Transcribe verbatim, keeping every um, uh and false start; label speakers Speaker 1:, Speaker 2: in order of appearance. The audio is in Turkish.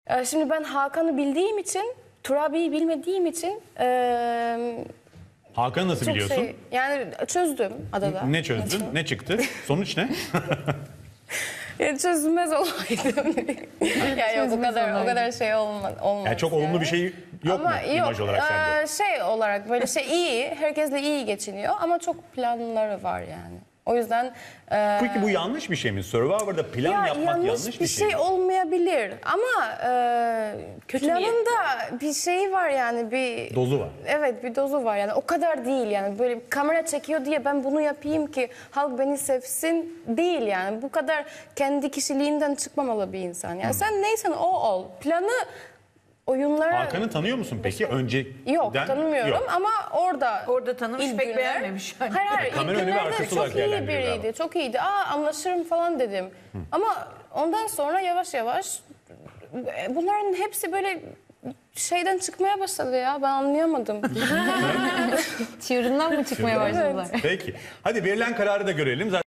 Speaker 1: Ee, Şimdi ben Hakan'ı bildiğim için, Turabi'yi bilmediğim için e,
Speaker 2: Hakan'ı nasıl
Speaker 1: çok
Speaker 2: biliyorsun?
Speaker 1: şey, yani çözdüm adada.
Speaker 2: Ne çözdün? Ne çıktı? Sonuç ne?
Speaker 1: Ya çözülmez olaydım. Ya yok o kadar o kadar şey olmaz. olmaz
Speaker 2: Yani çok olumlu bir şey yok
Speaker 1: ama
Speaker 2: mu imaj olarak sende?
Speaker 1: e, şey olarak böyle şey iyi, herkesle iyi geçiniyor ama çok planları var yani. O yüzden e,
Speaker 2: Peki bu yanlış bir şey mi? Survivor'da plan
Speaker 1: ya
Speaker 2: yapmak
Speaker 1: yanlış,
Speaker 2: yanlış
Speaker 1: bir
Speaker 2: bir şey mi?
Speaker 1: şey olmayabilir ama e,
Speaker 3: Kötü
Speaker 1: planında bir şey var yani bir
Speaker 2: Dozu var.
Speaker 1: Evet bir dozu var yani o kadar değil yani böyle bir kamera çekiyor diye ben bunu yapayım ki halk beni sevsin değil yani bu kadar kendi kişiliğinden çıkmamalı bir insan. Yani sen neysen o ol. Planı oyunlara
Speaker 2: Hakan'ı tanıyor musun peki? Önceden
Speaker 1: yok tanımıyorum
Speaker 2: yok.
Speaker 1: ama orada
Speaker 3: Orada tanımış,
Speaker 1: ilk
Speaker 3: pek
Speaker 1: günler-
Speaker 3: beğenmemiş yani.
Speaker 1: Hayır hayır
Speaker 2: Kamera
Speaker 1: ilk
Speaker 2: önü ve
Speaker 1: günlerde
Speaker 2: arkası olarak
Speaker 1: çok iyi
Speaker 2: değerlendiriyor
Speaker 1: biriydi.
Speaker 2: galiba.
Speaker 1: Çok iyiydi. Aa anlaşırım falan dedim. Ama ondan sonra yavaş yavaş bunların hepsi böyle şeyden çıkmaya başladı ya. Ben anlayamadım.
Speaker 4: Çığırından mı çıkmaya başladılar?
Speaker 2: Peki. Hadi verilen kararı da görelim. Zaten